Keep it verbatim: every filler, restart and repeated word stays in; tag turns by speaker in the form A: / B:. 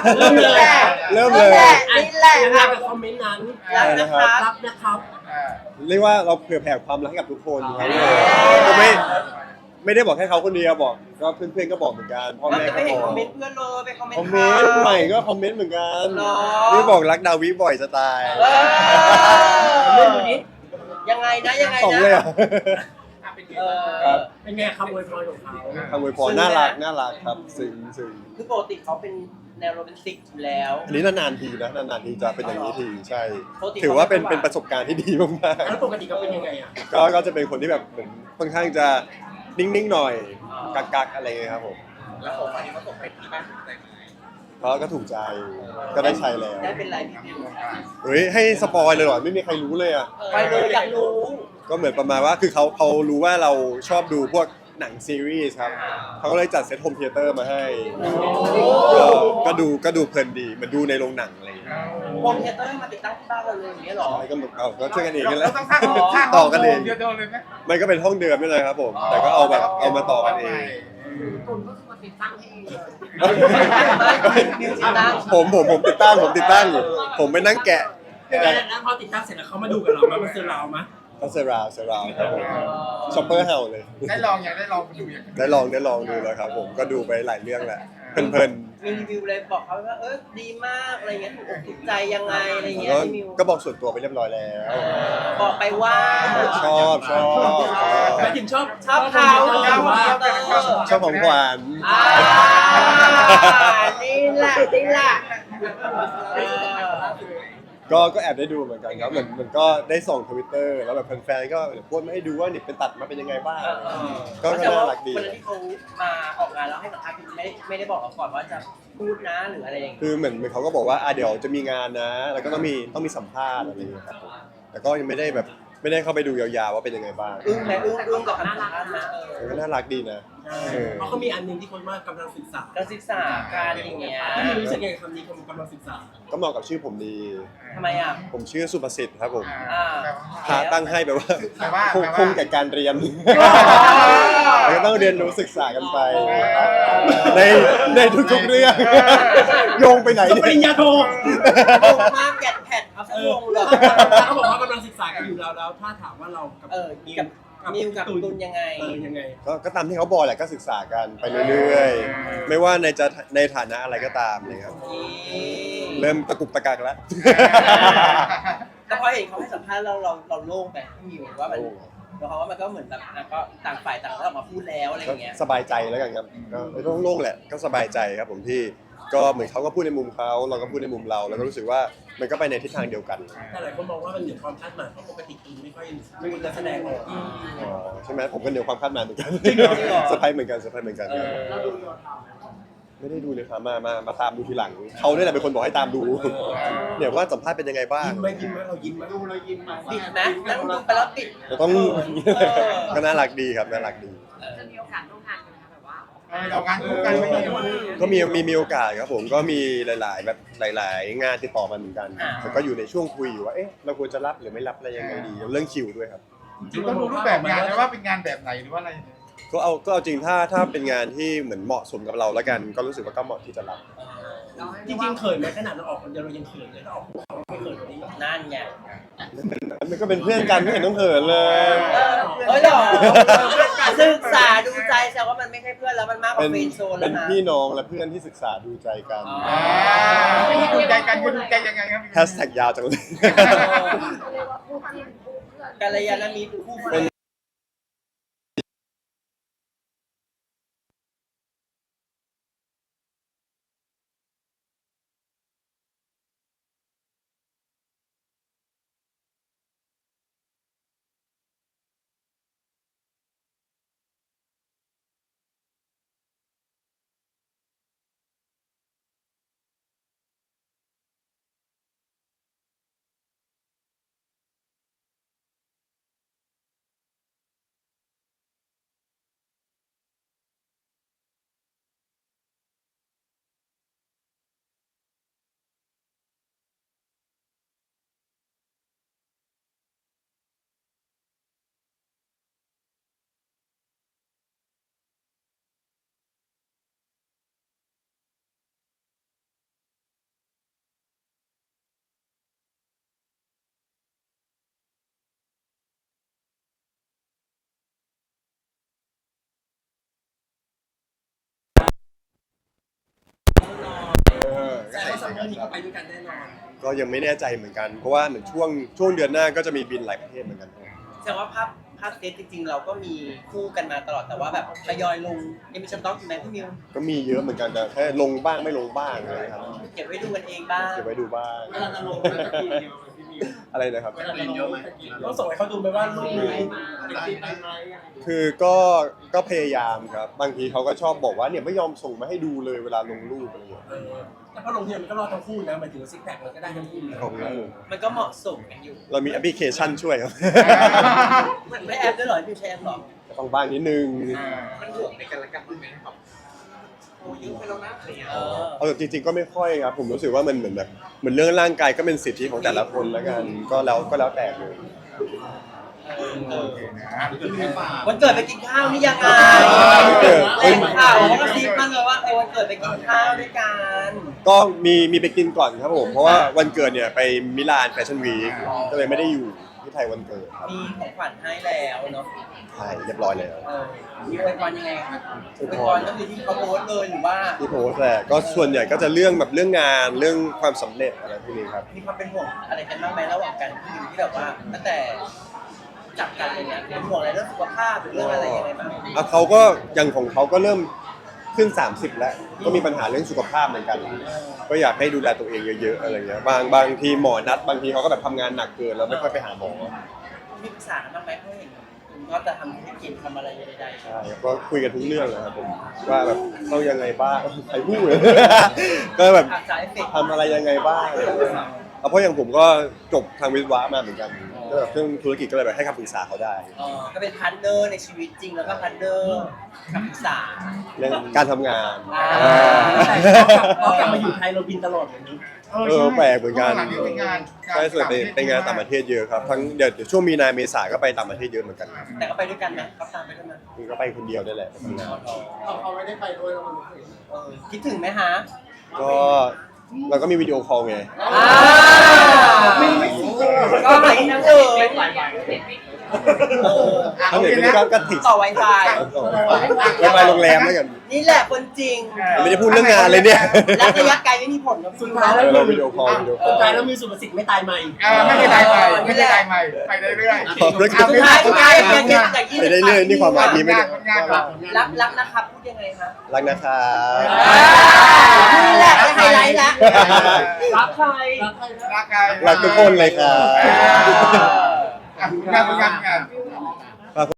A: เริ่มเลย
B: เริ่มเลย
A: นี่แหละ
C: ยังไงกับคอมเมนต์นั้น
A: รักนะครับ
C: รับนะครับ
B: เรียกว่าเราเผื่อแผ่ความรักให้กับทุกคนครับก็ไม่ไม่ได้บอกแค่เขาคนเดียวบอกก็เพื่อนๆก็บอกเหมือนกันพ่อ
A: ไม่
B: แม่
A: ไม่
B: ก็
A: เห็น
B: บ
A: ค
B: อ
A: อก มเมนต์เพื่อนเลยไปคอมเมน
B: คอม
A: ต์
B: เมนต์ใหม่ก็คอมเมนต์เหมือนกัน
A: หรอ
B: นี่บอกรักดาวิบ่อยจะตาย
A: เอ
C: เล่น
A: อ
C: ดูนี้
A: ยังไงนะยังไง
B: สอง
A: นะ
B: เลยเหรอ่ะ
A: เอ
B: ครั
A: อบ
C: เป็นไงคำอวยพรของเขา
B: คำอวยพรน่ารักน่ารักครับซึ้งซึ้ง
A: คือปกติเขาเป็นแนวโรแมนติกอยู่แล้ว
B: อันนี้นานๆทีนะนานๆทีจะเป็นอย่างนี้ทีใช่
A: ปกติ
B: ถือว่าเป็น
A: เขาไม่
B: เป็นประสบการณ์ที่ดีมาก
C: แล้วปกติเขาเป็นยังไงอ่ะ
B: ๆก็ก็จะเป็นคนที่แบบเหมือนค่อนข้างจะนิ่งๆหน่อยกักๆอะไรเงี้ยครับผม
A: แล้วของอันนี้เขาตกเป็นที่บ้าน
B: ก็ก็ถูกใจก็ได้ใช้แล้ว
A: ได้เป็นไรพี่บิว
B: เฮ้ยให้สปอยเลยเหรอไม่มีใครรู้เลยอ่ะ
A: ไปเลยอยากรู้
B: ก็เหมือนประมาณว่าคือเขาเขารู้ว่าเราชอบดูพวกหนังซีรีส์ครับเขาก็เลยจัดเซตโฮมเธียเตอร์มาให้ก็ก็ดูก็ดูเพลินดีเหมันดูในโรงหนังอะไรอย่างเงี้ย
A: โฮมเธียเตอร์มาติดตั้งที่บ้านเราเลยอย่างเงี้ยเหรอ
B: ใช่ก็เหมือนเอาก็ช่วยกันเองกันแห
D: เรา
B: ล้ว
D: ต้องสร้างสร้าง
B: ต่อกันเอง
D: เดียวเลยไหม
B: มันก็เป็นห้องเดิมนี่แหละครับผมแต่ก็เอาแบบเอามาต่อกันเอง
A: บิวติดตั้ง
B: ผมผมผมติดตั้งผมติดตั้ง ผมไปนั่งแกะ
C: แล้ว
B: แกะ
C: แล้วพอติดตั้งเสร็จแล้วเขามาดูกับเรามามาเซอร์เราไหม
B: ก็เซราวเซราวครับผมชอปเปอร์เฮาเลย
D: ได้ลองอย่างได้ลองดูอย่าง
B: ได้ลองได้ลองดูแล้วครับผมก็ดูไปหลายเรื่องแหละเพลิน
A: มีรีวิวเลยบอกเขาว่าเออดีมากอะไรเงี้ยถูกอกถูกใจยังไงอะไร
B: ๆ
A: เงี้ย
B: ก็
A: พี่มิว
B: ก็บอกส่วนตัวไปเรียบร้อยแล้ว
A: บอกไปว่า
B: ชอบชอบ
C: หมายถึงชอบ
A: ชอบเขา
C: ชอบว่า
B: ชอบของขวัญ
A: อ่านี่แหละนี่แหละเออ
B: ก็ก็แอบได้ดูเหมือนกันครับเหมือนมันก็ได้ส่งทวิตเตอร์แล้วแบบแฟนๆก็โพสต์มาให้ดูว่านี่เป็นตัดมาเป็นยังไงบ้าง ก็ก็น่ารักดี
A: วันนั้นที่เขามาออกงานแล้วให้สัมภาษณ์คือไม่ได้ไม่ได้บอกเราก่อนว่าจะพูดนะหรืออะไรอย่างเงี้ย
B: คือเหมือนเหมือนเขาก็บอกว่าอ่ะเดี๋ยวจะมีงานนะ แล้วก็ต้องมีต้องมีสัมภาษณ์อะไรอย่างเงี้ยครับผมแต่ก็ยังไม่ได้แบบไม่ได้เข้าไปดูยาวๆว่าเป็นยังไงบ้าง
A: อึ้งไหมอึ้งอึ้งกับคำสัมภาษณ์นะเอ
B: มัน
A: อ
B: ก็น่ารักดีนะเออ
C: เพราะเขามีอันหนึงที่คนว่ากำลังศึกษา
A: การศึกษาการอย่างเงี้ย
C: พี่รู้สึกไงกับคำนี้กำลังศึกษา
B: ก็เหมาะกับชื่อผมดี
A: ทำไมอ่ะ
B: ผมชื่อสุประสิทธิ์ครับผม
A: อ่า
B: พาตั้งให้แบบว่า
D: แปลว่า
B: คง
D: แปลว่า
B: คงแก่การเรียนแล้วก็ต้องเรียนรู้ศึกษากันไป ในในทุกๆเรื่องโยงไปไหน
C: จบปริญ
B: เนี่ย
C: ญาโท
A: ลงมาแกะแผ่นเอาสัก
C: เอ
A: ว
C: อง
A: เลย
C: เขาบอกว่ากำลังศึกษากันอยู่แล้วแล้วถ้าถามว่าเรากับ
A: เออกับมิวกับตุนยังไง
C: เออยังไง
B: ก็ก็ตามที่เขาบอกแหละก็ศึกษากันไปเรื่อยๆ ไม่ว่าในจะในฐานะอะไรก็ตามเลยครับ เริ่มตะกุกตะกักแล้ว
A: แต่พอเห็นเขาให้สัมภาษณ์เราเราเราโล่งไปพี่มิวว่ามันแล้วเขาว่ามันก็เหมือนแบบอ่ะก็ต่างฝ่ายต่างก็ออกมาพูดแล้วอะไรอ
B: ก็
A: ย่างเงี้ย
B: สบายใจแล้วกันครับก็ไม่ต้องโล่งแหละก็สบายใจครับผมที่ก็เหมือนเขาก็พูดในมุมเขาเราก็พูดในมุมเราแล้วก็รู้สึกว่ามันก็ไปในทิศทางเดียวกัน
C: แต่หลายคนมองว่ามันเหนือความคาดหมายเพราะปกติตูนไม่ค่อยไม่มีการแสดงออก
B: อ๋อใช่ไหมผมก็เหนือความคาดหมายเหมือนกัน
A: จริงเหรอจริงเหรอ
B: เซอร์ไพรส์เหมือนกันเซอร์ไพรส์เหมือนกันครับ
C: เราดูย้อนหลัง
B: ไม่ได้ดูเลยครับมามามาตามดูทีหลังเขาเนี่ยแหละเป็นคนบอกให้ตามดูเนี่ยว่าสัมภาษณ์เป็นยังไงบ้าง
C: ยิ้มไหมยิ้มไหมเรายิ้มไหมดูเรายิ้มไหม
A: ปิดไหมนั่งดูไปแล้วปิด
B: ก็ต้อง
A: เออ
B: ก็น่ารักดีครับน่ารักดี
E: จะมีโอกาสร่วมงานกันไหมคะแบบว่า
D: เออเรางานคู่กันไม่มี
B: ก็มีมีมีโอกาสครับผมก็มีหลาย ๆ แบบหลาย ๆ งานติดต่อมาเหมือนกันแต่ก็อยู่ในช่วงคุยอยู่ว่าเอ๊ะเราควรจะรับหรือไม่รับอะไรยังไงดีเรื่องคิวด้วยครับ
D: จริงต้องดูรูปแบบงานนะว่าเป็นงานแบบไหนหรือว่าอะไรเนี่ย
B: ก็เอาก็เอาจริงถ้าถ้าเป็นงานที่เหมือนเหมาะสมกับเราแล้วกัน ก็รู้สึกว่าก็เหมาะที่จะรับ
C: จริงๆเขินไหมขนาดเราออกคนเดียวเรายังเขินเลยถ้าออกคู่เขาไม่เขินกว่านี้
A: นั่นไง
B: มันก็เป็นเพื่อนกันไม่เห็นต้องเขินเลย
A: เออเฮ้ยหรอศึกษาดูใจแสดงว่ามันไม่ใช่เพื่อนแล้วมันมากกว่า
B: เป็น
A: เฟรนด์โซน
B: เป็
A: แล้ว
B: น
A: นะ
B: พี่น้องและเพื่อนที่ศึกษาดูใจกัน
A: อ๋อ
D: อ่าไม่ได้ดูใจกันคือดูใจยังไงครับ
B: แฮชแท็กยาวจังเลย
E: เรียกว่าคู่จิ้นคู่เพื่อน
A: กัลยาณมิตรคู่
B: เป็น
C: ซัมเมอร์นี้ก็ไปด้วยกันแน่นอน
B: ก็ยังไม่แน่ใจเหมือนกัน เพราะว่าเหมือนช่วงช่วงเดือนหน้าก็จะมีบินหลายประเทศเหมือนกัน
A: แสดงว่าภาพภาพเซตจริงๆ เราก็มีคู่กันมาตลอดแต่ว่าแบบทยอยลงยังมีสต็อกอยู่ไหมพี่มิว
B: ก็มีเยอะเหมือนกันแต่แค่ลงบ้างไม่ลงบ้างอะไรครับ
A: เก็บไว้ดูกันเองบ้าง
B: เก็บไว้ดูบ้าง
C: เวลาจะลงมันจะกินเยอะไหมพี่มิว
B: อะไรนะครับ
C: เวลาจะลงมันจะกินต้องส่งให้เขาดูไหมว่ารูปนี้ติดไปไหม
B: คือก็ก็พยายามครับบางทีเขาก็ชอบบอกว่าเนี่ยไม่ยอมส่งมาให้ดูเลยเวลาลงรูปอะไรอย่างเงี้ย
C: เออแต่พอลงทีมันก็รอดทั้งคู่นะหมายถึงซิกแพคมันก็ได้ทั้งคู่เลย
B: ของเรา
A: มันก็เหมาะสมกันอยู่
B: เรามีแอปพลิเคชันช่วยครับ
A: มันไม่แอปด้วยเหรอพี่มิวใช้แอปเหรอ
B: ต้องบ้างนิดนึง
A: มันห่วงในกันและกันด้วยไหมครับโอ้ยุ่งไปแล้วนะเออ
B: เอาจริงๆก็ไม่ค่อยครับผมรู้สึกว่ามันเหมือนแบบเหมือนเรื่องร่างกายก็เป็นสิทธิของแต่ละคนแล้วกันก็แล้วก็แล้วแต่เลย
A: เออวันเกิดไปกินข้าวนี่ยังไง
B: วันเกิด
A: แรงข่าวเขาก็ซีบมาเลยว่าเออวันเกิดไปกินข้าวด้วยกัน
B: ก็มีมีไปกินก่อนครับผมเพราะว่าวันเกิดเนี่ยไปมิลานแฟชั่นวีคก็เลยไม่ได้อยู่ที่ไทยวันเกิดครับ
A: มีของขวัญให้แล้วเนาะ
B: ใช่เรียบร้อยแล้ว
A: เออมีอวยพรยังไงครับอวยพรก็คือที่เขาโพสต์เลยหรือว่า
B: ที่โพสต์แหละก็ส่วนใหญ่ก็จะเรื่องแบบเรื่องงานเรื่องความสำเร็จอะไรพวกนี้ครับ
A: มีความเป็นห่วงอะไรกันบ้างไหมระหว่างกันที่ที่แบบว่าตั้งแต่จับกันอะไรเงี้ยเป็นห่วงอะไรเรื่องสุขภาพหรือเรื่องอะไรยังไงบ้าง
B: อ่ะเขาก็อย่างของเขาก็เริ่มขึ้นสามสิบแล้วก็มีปัญหาเรื่องสุขภาพเหมือนกัน ก็อยากให้ดูแลตัวเองเยอะๆอะไรเงี้ยบางบางทีหมอนัดบางทีเขาก็แบบทำงานหนักเกินแล้วไม่ค่อยไปหาหมอ
A: มีปรึกษากันบ้างไหมเพราะเห็นคุณก็จะทำให้กินทำอะไรใดๆ
B: ใช่ครับก็คุยกันทุกเรื่องนะครับผมว่าแบบต้องยังไงบ้างใครพูด ก็แบบ
A: อาจจะเอฟเฟกต์
B: ทำอะไรยังไงบ้างเอาเพราะอย่างผมก็จบทางวิศวะมาเหมือนกันก็แบบเรื่องธุรกิจก็เลยแบบให้คำปรึกษาเขาได้
A: อ๋อก็เป็นพาร์ทเนอร์ในชีวิตจริงแล้วก็พาร์ทเนอร์คำปรึกษา
B: เรื่องการทำงาน
A: อ่า
C: พอกลับมาอยู่ไทยเราบินตลอดแบบนี้
B: เออแปลกเหมือนกัน
D: หลังนี้เป็นงาน
B: ใช่ส่วนเป็นเป็นงานต่างประเทศเยอะครับทั้งเดี๋ยวเดี๋ยวช่วงมีนาเมษาก็ไปต่างประเทศเยอะเหมือนกัน
A: แต่ก็ไปด้วยกันนะเขาตามไปด้วยมั้ย
B: คือก็ไปคนเดียวได้แหละไปทำงาน
C: เราเขาไม่ได้ไปด้วยแล้วมันรู้สึก
A: เออคิดถึงไหมฮะ
B: ก็เราก็มีวิดีโอคอลไง
A: อ่าไม่ไม่สิก็ไหนนั่งเออ เออ
B: ถ้าเกิดไม่ได้ก็ก็ติด
A: ต่อ Wi-Fi
B: ไปไปโรงแรมแล้วกัน
A: นี่แหละคนจริง
B: ไม่ได้พูดเรื่องงานเลยเนี่ย
A: และระยะไกลไม่มีผลกับ
C: สุ
A: สุ
C: ด
A: ด
C: ท้า
A: ท้าย ย
C: แล้
A: แล้ว ว
B: เราวิดีโอคอลวิดีโอคอ
C: สุ
B: ล
C: ดท้ายแล้วมีสุภสิทธิ์ไม่ตายใหม่
D: เออไม่ได้ตายไปไม่ได้ตายใหม่ไปเรื่อยๆ
B: ขอบคุณครับ
A: สุดท้ายสุดท้ายยังยังจากยี่
B: ไป
A: สิบ
B: เรื่อยๆนี่ความหมายดีไม่ได้
D: งานก่อน
A: รักรักนะครับพูดยังไงคะ
B: รักนะครับ
A: นี่แหละไฮไลท์ละ
C: รักใคร
D: รักใคร
B: รักทุกคนเลยครับ
D: งานเป็นงานงาน